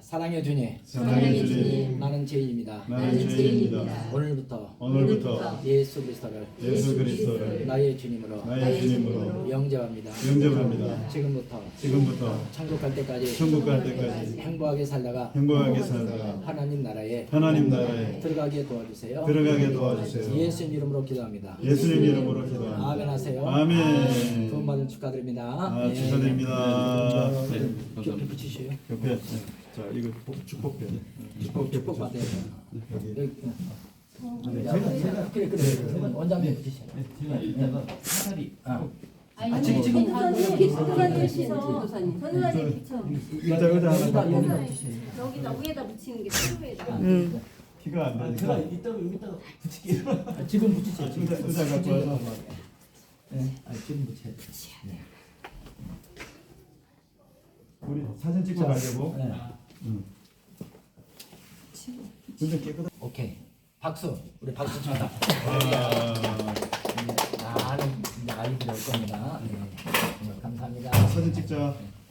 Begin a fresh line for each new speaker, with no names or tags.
사랑의 주님,
사랑의 주님,
나는 죄인입니다.
나는 죄인입니다.
오늘부터 예수 그리스도를 나의 주님으로 영접합니다. 지금부터 천국 갈 때까지 행복하게 살다가 하나님 나라에 들어가게 도와주세요. 예수님 이름으로 기도합니다. 아멘 하세요.
아멘.
구원받은 축하드립니다.
축하드립니다.
옆에 붙이셔요.
옆에 자 이거 축복표.
축복 받아요.
여기.
그래 원장님 붙이셔요.
제가 이따가 사다리
지금
전도사님
의자 하나
여기다 붙이셔요.
여기다 위에다 붙이는 게 필요해요.
키가 안 되니까
제가 여기다가 붙일게요.
지금 붙이세요.
의자 갖고 와서
네, 지금 붙여요.
우리 사진 찍고 가려고.
네.
근데 깨끗한.
오케이. 박수. 우리 박수 칩니다. 나는 이제 아이들이 올 겁니다. 네. 감사합니다.
사진 찍자.